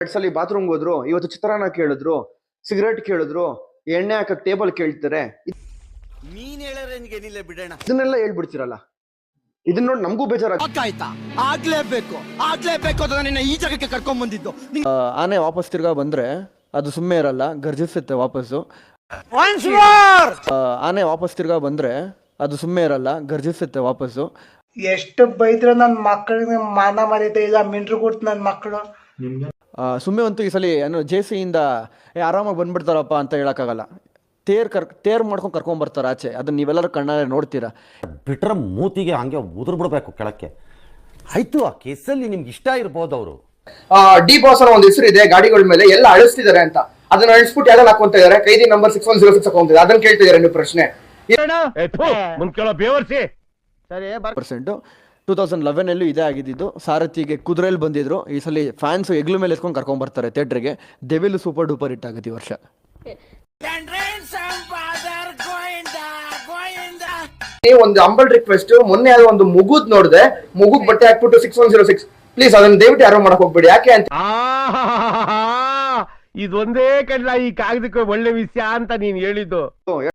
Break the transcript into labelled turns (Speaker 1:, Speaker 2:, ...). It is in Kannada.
Speaker 1: 2 ಸಲ ಬಾತ್ರೂಮ್ಗೆ ಹೋದ್ರು, ಇವತ್ತು ಚಿತ್ರಾನ್ನ ಕೇಳಿದ್ರು, ಸಿಗರೇಟ್ ಕೇಳಿದ್ರು, ಎಣ್ಣೆ ಹಾಕಕ್ ಟೇಬಲ್ ಕೇಳ್ತಾರೆ.
Speaker 2: ನೀನ್ ಹೇಳೋ ರೇಂಜ್ಗೆ ಏನಿಲ್ಲ ಬಿಡೋಣ.
Speaker 1: ಇದನ್ನೆಲ್ಲ ಹೇಳ್ಬಿಡ್ತೀರಲ್ಲ, ಇದನ್ನ ನೋಡಿ ನಮಗೂ
Speaker 3: ಆಯ್ತಾ ಆಗ್ಲೇಬೇಕು ಅಂತ ನಿನ್ನ ಈ ಜಾಗಕ್ಕೆ ಕರ್ಕೊಂಡ್ ಬಂದಿದ್ದು.
Speaker 4: ಆನೆ ವಾಪಸ್ ತಿರ್ಗಾ ಬಂದ್ರೆ ಅದು ಸುಮ್ಮನೆ ಇರಲ್ಲ, ಗರ್ಜಿಸುತ್ತೆ ವಾಪಸ್ಸು. ಆನೆ ವಾಪಸ್ ತಿರ್ಗಾ ಬಂದ್ರೆ ಅದು ಸುಮ್ಮನೆ ಇರಲ್ಲ, ಗರ್ಜಿಸುತ್ತೆ ವಾಪಸ್ಸು.
Speaker 5: ಎಷ್ಟು ಬೈದ್ರು ನನ್ನ ಮಕ್ಕಳಿಗೆ ಮಾನ ಮರ್ಯಾದೆ ಇಲ್ಲ, ಮಿಂಡ್ರು ಕೊಡ್ತು ನನ್ನ ಮಕ್ಕಳು.
Speaker 4: ಸುಮ್ಮನೆ ಅಂತೂ ಈ ಸಲ ಏನು ಜೇಸಿಯಿಂದ ಆರಾಮಾಗಿ ಬಂದ್ಬಿಡ್ತಾರಪ್ಪ ಅಂತ ಹೇಳಕ್ಕಾಗಲ್ಲ. ತೇರ್ ಮಾಡ್ಕೊಂಡು ಕರ್ಕೊಂಡ್ ಆಚೆ. ಅದನ್ನ ನೀವೆಲ್ಲರೂ ಕಣ್ಣಾರೆ ನೋಡ್ತೀರಾ.
Speaker 6: ಬಿಟ್ರೆ ಮೂತಿಗೆ ಹಂಗೆ ಉದುರು ಬಿಡಬೇಕು ಕೆಳಕ್ಕೆ. ಆಯ್ತು, ಆ ಕೇಸಲ್ಲಿ ನಿಮ್ಗೆ ಇಷ್ಟ ಇರ್ಬೋದು. ಅವರು
Speaker 1: ಡಿ ಬಾಸ್ ಅನ್ನೋ ಒಂದು ಹೆಸರು ಇದೆ ಗಾಡಿಗಳ ಮೇಲೆ, ಎಲ್ಲ ಅಳಿಸ್ತಿದ್ದಾರೆ ಅಂತ. ಅದನ್ನ ಅಳಿಸ್ಬಿಟ್ಟು ಯಾವ್ದನ್ನ ಹಾಕೊಂತ ಇದಾರೆ, ಕೈದಿ ನಂಬರ್ 6106 ಹಾಕೊಂತಿದ್ದಾರೆ. ಅದನ್ನ ಕೇಳ್ತಿದ್ದಾರೆ ನೀವು ಪ್ರಶ್ನೆ.
Speaker 4: 2011 ಇದೇ ಆಗಿದ್ದು. ಸಾರಥಿಗೆ ಕುದುರೆಯಲ್ಲಿ ಬಂದಿದ್ರು. ಈ ಸಲ ಫ್ಯಾನ್ಸ್ ಎಗ್ಲು ಮೇಲೆ ಎತ್ಕೊಂಡು ಕರ್ಕೊಂಡ್ ಬರ್ತಾರೆ ಥಿಯೇಟ್ರಿಗೆ. ಡೆವಿಲ್ ಸೂಪರ್ ಡೂಪರ್ ಹಿಟ್ ಆಗುತ್ತೆ ಈ ವರ್ಷ.
Speaker 1: ಒಂದು ಅಂಬಲ್ ರಿಕ್ವೆಸ್ಟ್, ಮೊನ್ನೆ ಯಾವ್ದೋ ಒಂದು ಮುಗುದ್ ನೋಡಿದೆ, ಮುಗುದ್ ಬಟ್ಟೆ ಹಾಕ್ಬಿಟ್ಟು 6106 ಪ್ಲೀಸ್ ಅದನ್ನ ದಯವಿಟ್ಟು ಯಾರು ಮಾಡಕ್ ಹೋಗ್ಬೇಡಿ. ಯಾಕೆ ಅಂತ
Speaker 7: ಇದೊಂದೇ ಕಡ್ಲ ಈ ಕಾಗದಕ್ಕೆ ಒಳ್ಳೆ ವಿಷಯ ಅಂತ ನೀನ್ ಹೇಳಿದ್ದು.